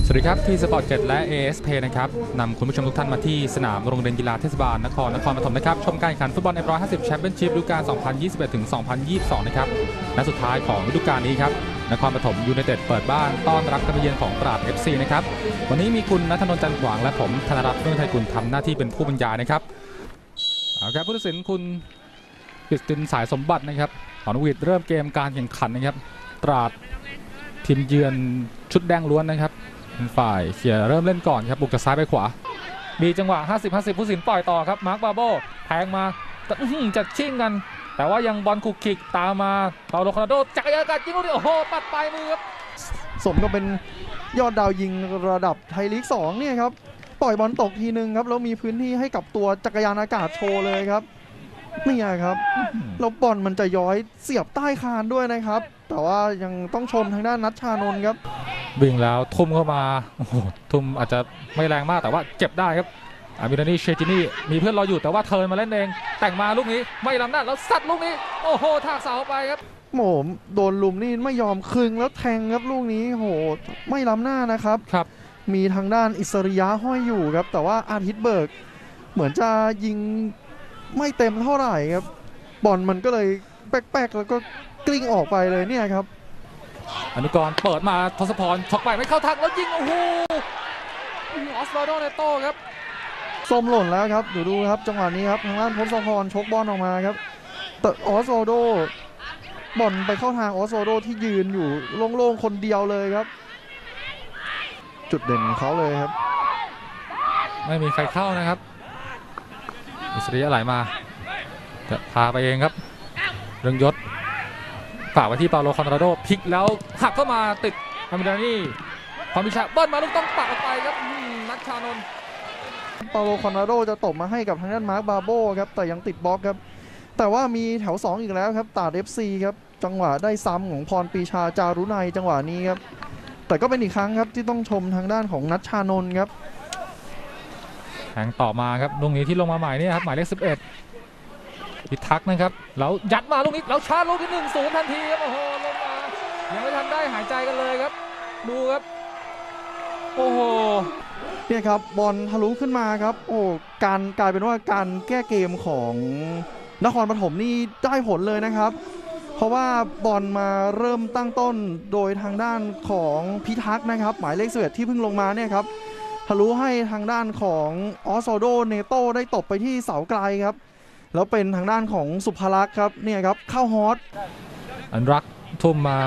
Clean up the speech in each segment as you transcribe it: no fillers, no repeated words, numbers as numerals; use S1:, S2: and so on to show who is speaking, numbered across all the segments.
S1: สวัสดีครับที่สปอร์ตเจ็ดและ ASP นะครับนำคุณผู้ชมทุกท่านมาที่สนามโรงเรียนกีฬาเทศบาลนครปฐมนะครับชมการแข่งขันฟุตบอล F150 แชมเปี้ยนชิพฤดูกาล 2021 ถึง 2022 นะครับนัดสุดท้ายของฤดูกาลนี้ครับนครปฐมยูไนเต็ดเปิดบ้านต้อนรับการมาเยือนของตราด FC นะครับวันนี้มีคุณณัฐนนท์จันทร์ขวางและผมธนรัตน์เฟื่องไทยกุลทำหน้าที่เป็นผู้บรรยายนะครับเอาครับผู้ตัดสินคุณกฤษณสายสมบัตินะครับขอนวิทย์เริ่มเกมการแข่งขันนะครับตราดทีมเยือนชุดแดงล้วนนะครับฝ่ายเขียเริ่มเล่นก่อนครับบุกจากซ้ายไปขวามีจังหวะ 50-50 ผู้ตัดสินปล่อยต่อครับมาร์คบาโบแทงมาจัดชิ่งกันแต่ว่ายังบอลคุกคิกตามมาเปาโลคาร์โดจักรยานกัดยิงลูกนี้โอ้โหปัดปลายมือครับ
S2: สมก็เป็นยอดดาวยิงระดับไทยลีก2เนี่ยครับปล่อยบอลตกทีนึงครับแล้วมีพื้นที่ให้กับตัวจักรยานอากาศโชว์เลยครับนี่ครับแล้วบอลมันจะย้อยเสียบใต้คานด้วยนะครับแต่ว่ายังต้องชมทางด้านนัชชานนท์ครับ
S1: วิ่งแล้วทุ่มเข้ามาโอ้โหทุ่มอาจจะไม่แรงมากแต่ว่าเก็บได้ครับอามิรานีเชจินี่มีเพื่อนรออยู่แต่ว่าเทิร์นมาเล่นเองแต่งมาลูกนี้ไม่ล้ำหน้าแล้วซัดลูกนี้โอ้โหทากเสาไปครับ
S2: โหมโดนลุมนี่ไม่ยอมคึงแล้วแทงครับลูกนี้โหไม่ล้ำหน้านะครับมีทางด้านอิสริยะห้อยอยู่ครับแต่ว่าอาทิตย์เบิกเหมือนจะยิงไม่เต็มเท่าไหร่ครับบอลมันก็เลยแป๊กๆแล้วก็กลิ้งออกไปเลยเนี่ยครับ
S1: อนุกรเปิดมาทศพรช็อกไปไม่เข้าทางแล้วยิงโอ้โหออสวาโดเนโต้ครับ
S2: ส้มหล่นแล้วครับดูครับจังหวะนี้ครับทางด้านทศพรชกบอลออกมาครับแต่ออสวาโดบอลไปเข้าทางออสวาโดที่ยืนอยู่โล่งๆคนเดียวเลยครับจุดเด่นของเขาเลยครับ
S1: ไม่มีใครเข้านะครับอิสริยะไหลมาจะพาไปเองครับเรืองยศฝากไว้ที่เปาโลคอนราโดพลิกแล้วหักเข้ามาติดอามิรานีความพิชาเบิ้ลมาลูกต้องปักออกไปครับนัชชานนท์
S2: เปาโลคอนราโดจะตบมาให้กับทางด้านมาร์คบาโบครับแต่ยังติดบล็อกครับแต่ว่ามีแถว2อีกแล้วครับตราด FC ครับจังหวะได้ซ้ำของพรปรีชาจารุนัยจังหวะนี้ครับแต่ก็เป็นอีกครั้งครับที่ต้องชมทางด้านของนัชชานนท์ครับ
S1: แทงต่อมาครับลูกนี้ที่ลงมาใหม่นี่ครับหมายเลข11พิทักษ์นะครับแล้วยัดมาลูกนี้แล้วชาร์จลูกที่1-0ทันทีครับโอ้โหลงมายังไม่ทันได้หายใจกันเลยครับดูครับโอ้โห
S2: เนี่ยครับบอลทะลุขึ้นมาครับโอ้การกลายเป็นว่าการแก้เกมของนครปฐมนี่ได้ผลเลยนะครับเพราะว่าบอลมาเริ่มตั้งต้นโดยทางด้านของพิทักษ์นะครับหมายเลข11ที่เพิ่งลงมาเนี่ยครับทะลุให้ทางด้านของออสโซโดเนโต้ได้ตบไปที่เสาไกลครับแล้วเป็นทางด้านของสุภลักษณ์ครับเนี่ยครับเข้าฮอต
S1: อันรักทุ่มมา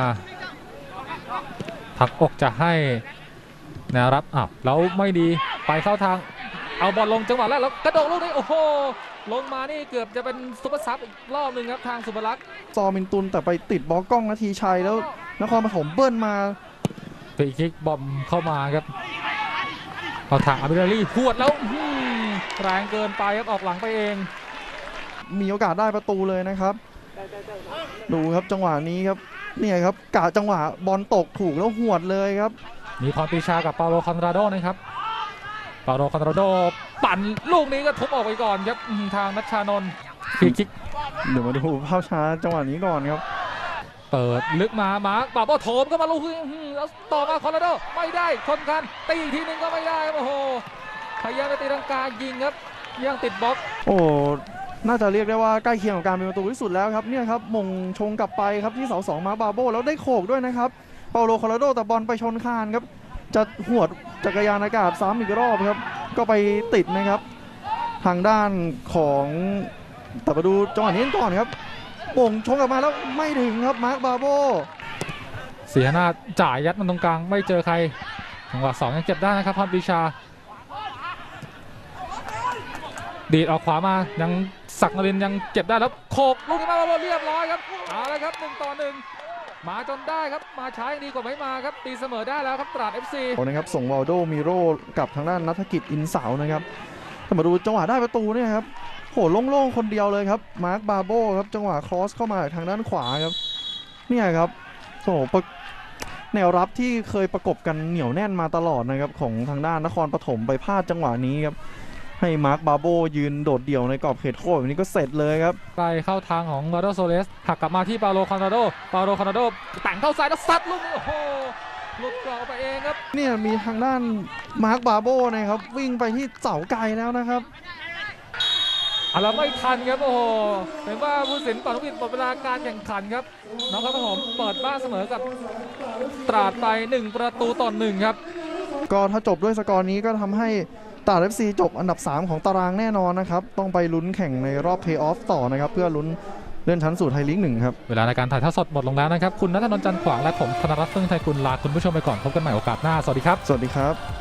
S1: ผักอกจะให้แนวรับแล้วไม่ดีไปเข้าทางเอาบอลลงจังหวะแรกแล้วกระโดดลูกนี้โอ้โหลงมานี่เกือบจะเป็นซุปเปอร์ซับอีกรอบหนึ่งครับทางสุภลักษณ์
S2: ซอมินตุนแต่ไปติดบอลกล้องนาทีชัยแล้วนครปฐมเบิ้ลมา
S1: ฟรีคิกบอมเข้ามาครับเอาทางอามิราลีพวดแล้วแรงเกินไปครับออกหลังไปเอง
S2: มีโอกาสได้ประตูเลยนะครับดูครับจังหวะนี้ครับเนี่ยครับกะจังหวะบอลตกถูกแล้วหวดเลยครับ
S1: มีพรปรีชากับเปาโลคอนราโดนะครับเปาโลคอนราโดปั่นลูกนี้ก็ทุบออกไปก่อนครับทางนัชชานนท์ฟรีคิก
S2: เดี๋ยวมาดูภาพช้าจังหวะนี้ก่อนครับ
S1: เปิดลึกมาบาโบโถมก็มาลูกแล้วต่อมาคอนราโดไม่ได้ชนกันตีอีกทีนึงก็ไม่ได้ครับโอ้โหพยายามจะตีรังกายิงครับยังติดบล็อก
S2: โอ้น่าจะเรียกได้ว่าใกล้เคียงกับการเป็นประตูที่สุดแล้วครับเนี่ยครับมงชงกลับไปครับที่เสา2มาบาโบแล้วได้โขกด้วยนะครับเปาโลคอร์โดแต่บอลไปชนคานครับจะหวดจักรยานอากาศซ้ำอีกรอบครับก็ไปติดนะครับทางด้านของแต่มาดูจังหวะนี้ก่อนครับมงชงกลับมาแล้วไม่ถึงครับมาร์คบาโบ
S1: เสียหน้าจ่ายยัดมันตรงกลางไม่เจอใครจังหวะ2ยังเจ็บได้นะครับพรปรีชาดีดออกขวามายังศักดิ์นรินทร์ยังเก็บได้แล้วโขกลูกนี้มาเรียบร้อยครับเอาละครับ1-1มาจนได้ครับมาช้ายังดีกว่าไม่มาครับตีเสมอได้แล้วครับตราด FC
S2: นะครับส่งวาลโดมิโร่กับทางด้านนัฐกิจอินเสานะครับถ้ามาดูจังหวะได้ประตูเนี่ยครับโหโล่งๆคนเดียวเลยครับมาร์คบาโบครับจังหวะครอสเข้ามาทางด้านขวาครับเนี่ยครับโอ้โหแนวรับที่เคยประกบกันเหนียวแน่นมาตลอดนะครับของทางด้านนครปฐมไปพลาดจังหวะนี้ครับให้มาร์คบาโบยืนโดดเดี่ยวในกรอบเขตโทษแบบนี้ก็เสร็จเลยครับ
S1: ไปเข้าทางของลาโดโซเลสหักกลับมาที่เปาโลคอนราโดแต่งเข้าซ้ายแล้วซัดลูกนี้โอ้โห
S3: หลุดกรอบไปเองครับ
S2: เนี่ยมีทางด้านมาร์คบาโบนะครับวิ่งไปที่เสาไกลแล้วนะครับ
S3: เราไม่ทันครับโอ้โหเห็นว่าผู้สินเป่านกหวีดหมดเวลาการแข่งขันครับนครปฐมเปิดบ้านเสมอกับตราดไป1-1ครับ
S2: ก็ถ้าจบด้วยสกอร์นี้ก็ทำให้ตราด FC จบอันดับ 3 ของตารางแน่นอนนะครับ ต้องไปลุ้นแข่งในรอบเพลย์ออฟต่อนะครับ เพื่อลุ้นเลื่อนชั้นสู่ไทยลีก 1 ครับ
S1: เวลาในการถ่ายทอดสดหมดลงแล้วนะครับ คุณณัฐนนท์จันทร์ขวางและผมธนรัตน์เฟื่องไทยกุลลาคุณผู้ชมไปก่อนพบกันใหม่โอกาสหน้าสวัสดีครับ
S2: สวัสดีครับ